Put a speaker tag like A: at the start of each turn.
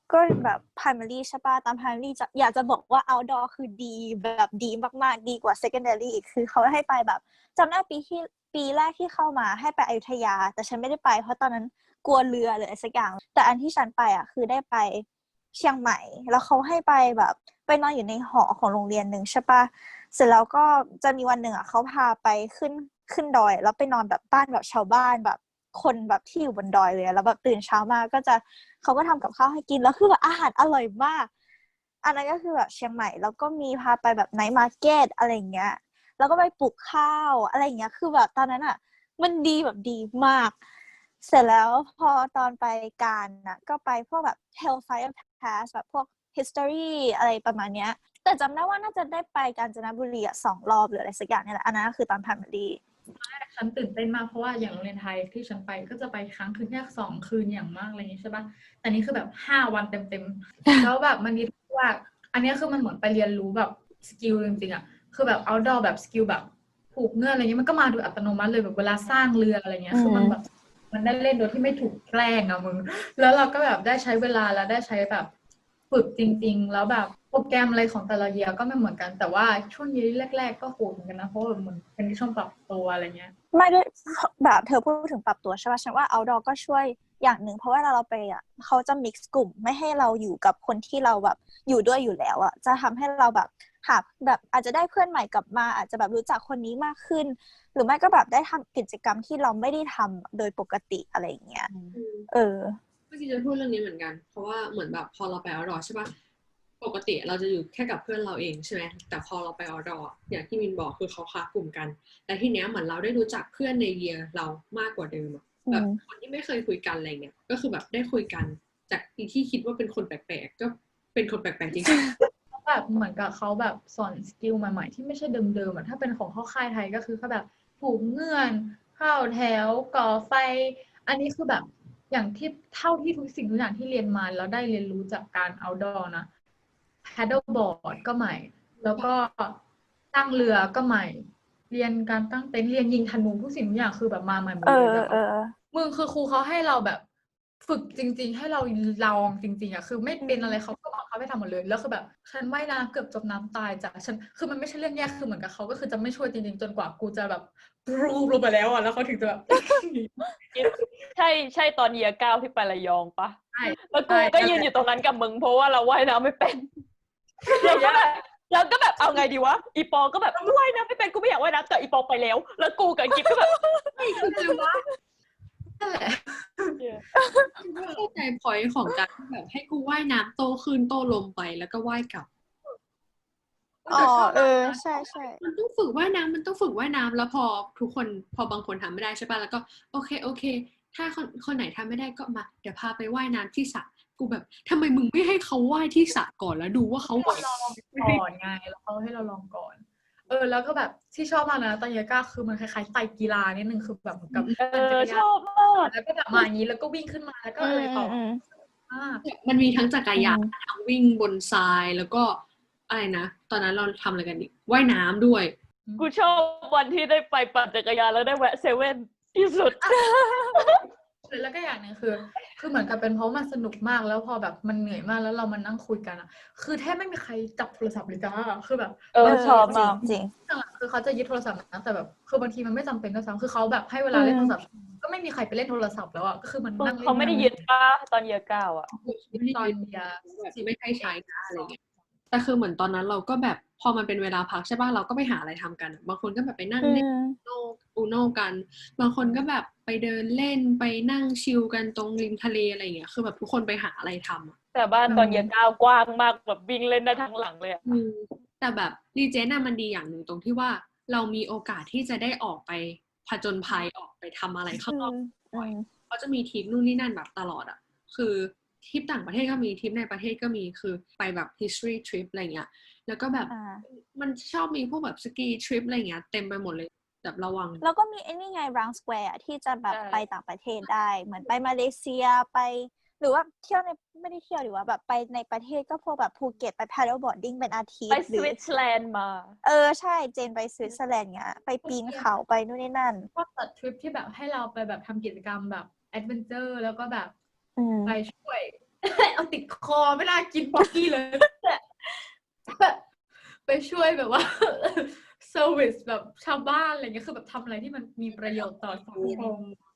A: ก็แบบ primary ใช่ป่ะตาม primary อยากจะบอกว่า outdoor คือดีแบบดีมากๆดีกว่า secondary อีกคือเขาให้ไปแบบจำได้ปีแรกที่เข้ามาให้ไปอยุธยาแต่ฉันไม่ได้ไปเพราะตอนนั้นกลัวเรือหรืออะไรสักอย่างแต่อันที่ฉันไปอ่ะคือได้ไปเชียงใหม่แล้วเขาให้ไปแบบไปนอนอยู่ในหอของโรงเรียนหนึ่งใช่ป่ะเสร็จแล้วก็จะมีวันหนึ่งอ่ะเขาพาไปขึ้นดอยแล้วไปนอนแบบบ้านแบบชาวบ้านแบบคนแบบที่อยู่บนดอยเลยแล้วแบบตื่นเช้ามาก็จะเขาก็ทำกับข้าวให้กินแล้วคือแบบอาหารอร่อยมากอันนั้นก็คือแบบเชียงใหม่แล้วก็มีพาไปแบบไนท์มาร์เก็ตอะไรเงี้ยแล้วก็ไปปลูกข้าวอะไรเงี้ยคือแบบตอนนั้นอ่ะมันดีแบบดีมากเสร็จแล้วพอตอนไปการน่ะก็ไปพวกแบบ Hellfire Pass แบบพวก history อะไรประมาณเนี้ยแต่จำได้ว่าน่าจะได้ไปกาญจนบุรี2 รอบหรืออะไรสักอย่างนี่แหละอันนั้นคือตอน primary
B: ฉันตื่นเต้นมากเพราะว่าอย่างโรงเรียนไทยที่ฉันไปก็จะไปครั้งคืนแค่2 คืนอย่างมากอะไรอย่างนี้ใช่ปะแต่นี่คือแบบ5 วันเต็มๆแล้วแบบมันมีว่าอันนี้คือมันเหมือนไปเรียนรู้แบบสกิลจริงๆอ่ะคือแบบ outdoor แบบสกิลแบบผูกเงื่อนอะไรเงี้ยมันก็มาโดยอัตโนมัติเลยแบบเวลาสร้างเรืออะไรเงี้ยคือมันแบบมันได้เล่นโดยที่ไม่ถูกแกล้งอะมึงแล้วเราก็แบบได้ใช้เวลาแล้วได้ใช้แบบฝึกจริงๆแล้วแบบโปรแกรมอะไรของแต่ละเยียร์ก็ไม่เหมือนกันแต่ว่าช่วงเยียร์แรกๆก็โหดเหมือนกันนะเพราะว่าเหมือนเป็นช่วงปรับตัวอะไรเงี้ย
A: ไม่ด้วยแบบเธอพูดถึงปรับตัวใช่ป่ะฉันว่า outdoor ก็ช่วยอย่างหนึ่งเพราะว่าเราไปอ่ะเขาจะ mix กลุ่มไม่ให้เราอยู่กับคนที่เราแบบอยู่ด้วยอยู่แล้วอ่ะจะทำให้เราแบบหาแบบอาจจะได้เพื่อนใหม่กลับมาอาจจะแบบรู้จักคนนี้มากขึ้นหรือไม่ก็แบบได้ทำกิจกรรมที่เราไม่ได้ทำโดยปกติอะไรอย่างเงี้ยเออ
C: เมื่อกี้จะพูดเรื่องนี้เหมือนกันเพราะว่าเหมือนแบบพอเราไปเอาท์ดอร์ใช่ปะปกติเราจะอยู่แค่กับเพื่อนเราเองใช่ไหมแต่พอเราไปเอาท์ดอร์อย่างที่มินบอกคือเขาค้ากลุ่มกันแต่ทีเนี้ยเหมือนเราได้รู้จักเพื่อนในเยียร์เรามากกว่าเดิมแบบคนที่ไม่เคยคุยกันอะไรเงี้ยก็คือแบบได้คุยกันจากที่คิดว่าเป็นคนแปลกๆก็เป็นคนแปลกๆจริง
B: แบบเหมือนกับเขาแบบสอนสกิลใหม่ๆที่ไม่ใช่เดิมๆอ่ะถ้าเป็นของเข้าค่ายไทยก็คือเขาแบบผูกเงื่อนเข้าแถวก่อไฟอันนี้คือแบบอย่างที่เท่าที่ทุกสิ่งทุกอย่างที่เรียนมาแล้วได้เรียนรู้จากการ outdoor นะ paddleboard ก็ใหม่แล้วก็ตั้งเรือก็ใหม่เรียนการตั้งเต็นท์เรียนยิงธนูทุกสิ่งทุกอย่างคือแบบมาใหม่หมดเลยแบบมึงคือครูเขาให้เราแบบฝึกจริงๆให้เราลองจริงๆอ่ะคือไม่เป็นอะไรเขาก็บังคับให้ทำหมดเลยแล้วคือแบบฉันว่ายน้ำเกือบจมน้ำตายจ้ะฉันคือมันไม่ใช่เรื่องแย่คือเหมือนกับเขาก็คือจะไม่ช่วยจริงๆจนกว่ากูจะแบบปรูลงไปแล้วอ่ะแล้วเขาถึงจะแบบ
D: ใช่ตอนเยียร์ 9ที่ไประยองปะ
B: ใช่
D: แล้วกูก็ยืนอยู่ตรงนั้นกับมึงเพราะว่าเราว่ายน้ำไม่เป็นแล้วก็แบบเอาไงดีวะอีปอก็แบบว่ายน้ำไม่เป็นกูไม่อยากว่ายน้ำแต่อีปอไปแล้วกูกับกิ๊บก็แบบ
B: ไม่คือไงวะนั่นแหละ
C: เข้าใจพอยต์ของการแบบให้กูว่ายน้ำโตขึ้นโตลมไปแล้วก็ว่ายกลับ
A: อ๋อใช่ใช่
C: มันต้องฝึกว่ายน้ำมันต้องฝึกว่ายน้ำแล้วพอทุกคนพอบางคนทำไม่ได้ใช่ป่ะแล้วก็โอเคถ้าคนไหนทำไม่ได้ก็มาเดี๋ยวพาไปว่ายน้ำที่สระกูแบบทำไมมึงไม่ให้เขาว่ายที่สระก่อนแล้วดูว่าเขาไหว
B: ลองก่อนไงแล้วเขาให้เราลองก่อนแล้วก็แบบที่ชอบมากนะตอนเยก้าคือมันคล้ายๆไตรกีฬานิดนึงคือแบบเหมือนกับ
D: ชอบมาก
B: แล้วก็แบบมาอย่างนี้แล้วก็วิ่งขึ้นมาแล้วก็อะไรต่อ
C: มันมีทั้งจักรยานทั้งวิ่งบนทรายแล้วก็อะไรนะตอนนั้นเราทำอะไรกันอีกว่ายน้ำด้วย
D: กูชอบวันที่ได้ไปปั่นจักรยานแล้วได้แวะเซเว่นที่สุด
B: แล้วก็อย่างนึงคือเหมือนกับเป็นเพราะมันสนุกมากแล้วพอแบบมันเหนื่อยมากแล้วเรามานั่งคุยกันอ่ะคือแทบไม่มีใครจับโทรศัพท์เลยจ้าคือแบบ
A: ชอบจริงจริง
B: คือเขาจะยึดโทรศัพท์นะแต่แบบคือบางทีมันไม่จำเป็นก็ซ้ำคือเขาแบบให้เวลาเล่นโทรศัพท์ก็ไม่มีใครไปเล่นโทรศัพท์แล้วอ่ะก็คือมันนั่งเล่น
D: เขาไม่ได้ยึดป่ะตอนเยียร์ 9อ่ะ
B: ตอนเดีย
C: ไม่ให้ใช้นะอะไรเงี้ยแต่คือเหมือนตอนนั้นเราก็แบบพอมันเป็นเวลาพักใช่ป่ะเราก็ไปหาอะไรทำกันบางคนก็แบบไปนั่งเล่นอูโนกันบางคนก็แบบไปเดินเล่นไปนั่งชิลกันตรงริมทะเลอะไรเงี้ยคือแบบทุกคนไปหาอะไรทำอะ
D: แต่บ้านตอนเยียร์ 9กว้างมากแบบวิ่งเล่นได้ทั้งหลังเลย
C: แต่แบบรีเจนมันดีอย่างหนึ่งตรงที่ว่าเรามีโอกาสที่จะได้ออกไปผจญภัยออกไปทำอะไรข้างนอกเขาจะมีทริปนู่นนี่นั่นแบบตลอดอ่ะคือทริปต่างประเทศก็มีทริปในประเทศก็มีคือไปแบบ history trip อะไรเงี้ยแล้วก็แบบมันชอบมีพวกแบบสกีทริปอะไรเงี้ยเต็มไปหมดเลยแบบระวัง
A: แล้วก็มีไอ้นี่ไง round square ที่จะแบบไปต่างประเทศได้เหมือนไปมาเลเซียไปหรือว่าเที่ยวในไม่ได้เที่ยวหรือว่าแบบไปในประเทศก็พวกแบบภูเก็ตไป paddle boarding เป็นอาทิตย์
D: ไปสวิตเซอร์แลนด์มา
A: ใช่เจนไปสวิตเซอร์แลนด์เงี้ยไปปีนเขาไปนู่นนี่นั่น
B: ก็ตัดทริปที่แบบให้เราไปแบบทำกิจกรรมแบบแอดเวนเจอร์แล้วก็แบบไปช่วยเอาติดคอไม่น่ากินป๊อกกี้เลยไปช่วยแบบว่าเซอร์วิสแบบชาวบ้านอะไรเงี้ยคือแบบทำอะไรที่มันมีประโยชน์ต่อสังคม